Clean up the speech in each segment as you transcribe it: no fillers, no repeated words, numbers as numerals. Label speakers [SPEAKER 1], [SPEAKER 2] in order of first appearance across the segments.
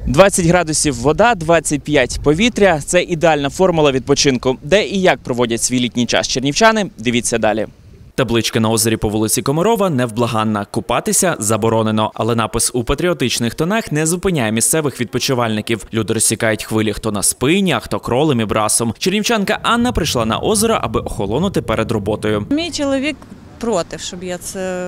[SPEAKER 1] 20 градусів вода, 25 повітря – це ідеальна формула відпочинку. Де і як проводять свій літній час чернівчани – дивіться далі. Табличка на озері по вулиці Комарова невблаганна. Купатися заборонено. Але напис у патріотичних тонах не зупиняє місцевих відпочивальників. Люди розсікають хвилі хто на спині, а хто кролем і брасом. Чернівчанка Анна прийшла на озеро, аби охолонути перед роботою.
[SPEAKER 2] Мій чоловік проти, щоб я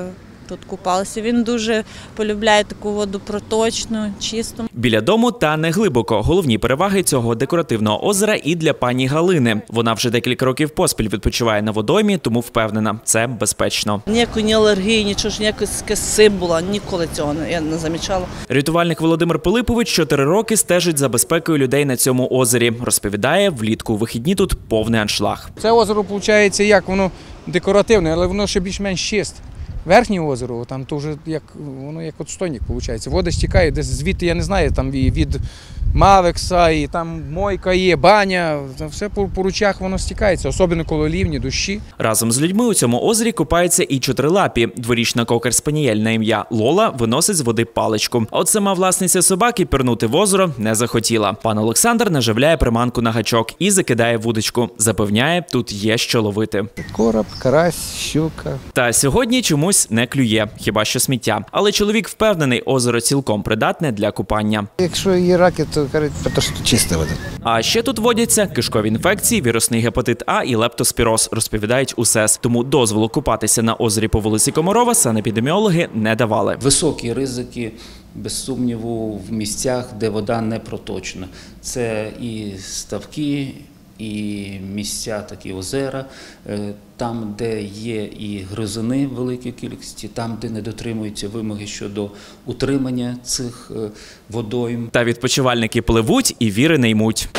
[SPEAKER 2] тут купалася. Він дуже полюбляє таку воду проточну, чисту.
[SPEAKER 1] Біля дому та не глибоко. Головні переваги цього декоративного озера і для пані Галини. Вона вже декілька років поспіль відпочиває на водоймі, тому впевнена – це безпечно.
[SPEAKER 3] Ніякої ні алергії, нічого ж, ніякої символа, ніколи цього я не замічала.
[SPEAKER 1] Рятувальник Володимир Пилипович 4 роки стежить за безпекою людей на цьому озері. Розповідає, влітку у вихідні тут повний аншлаг.
[SPEAKER 4] Це озеро, виходить, як воно декоративне, але воно ще більш-менш чисте. Верхнє озеро, там то вже воно як отстойник, виходить. Вода стікає, десь звідти, я не знаю, там і від Мавекса, і там мойка є, баня, все по ручах воно стікається, особливо коли лівні, дощі.
[SPEAKER 1] Разом з людьми у цьому озері купаються і чотирилапі. Дворічна кокер-спанієль на ім'я Лола виносить з води паличку. А от сама власниця собаки пірнути в озеро не захотіла. Пан Олександр наживляє приманку на гачок і закидає вудочку. Запевняє, тут є що ловити.
[SPEAKER 4] Короб, карась, щука.
[SPEAKER 1] Та сьогодні чомусь не клює, хіба що сміття. Але чоловік впевнений, озеро цілком придатне для купання.
[SPEAKER 4] Якщо є раки, то кажуть, тому що чиста вода.
[SPEAKER 1] А ще тут водяться кишкові інфекції, вірусний гепатит А і лептоспіроз, розповідають у СЕС. Тому дозволу купатися на озері по вулиці Комарова санепідеміологи не давали.
[SPEAKER 5] Високі ризики, без сумніву, в місцях, де вода не проточна. Це і ставки, і місця, такі озера, там, де є і гризуни в великій кількості, там, де не дотримуються вимоги щодо утримання цих водойм.
[SPEAKER 1] Та відпочивальники пливуть і віри не ймуть.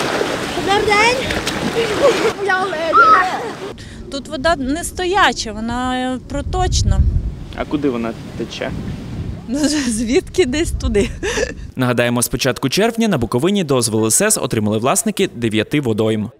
[SPEAKER 2] Тут вода не стояча, вона проточна.
[SPEAKER 1] А куди вона тече?
[SPEAKER 2] Звідки десь туди.
[SPEAKER 1] Нагадаємо, з початку червня на Буковині дозволи СЕС отримали власники 9 водойм.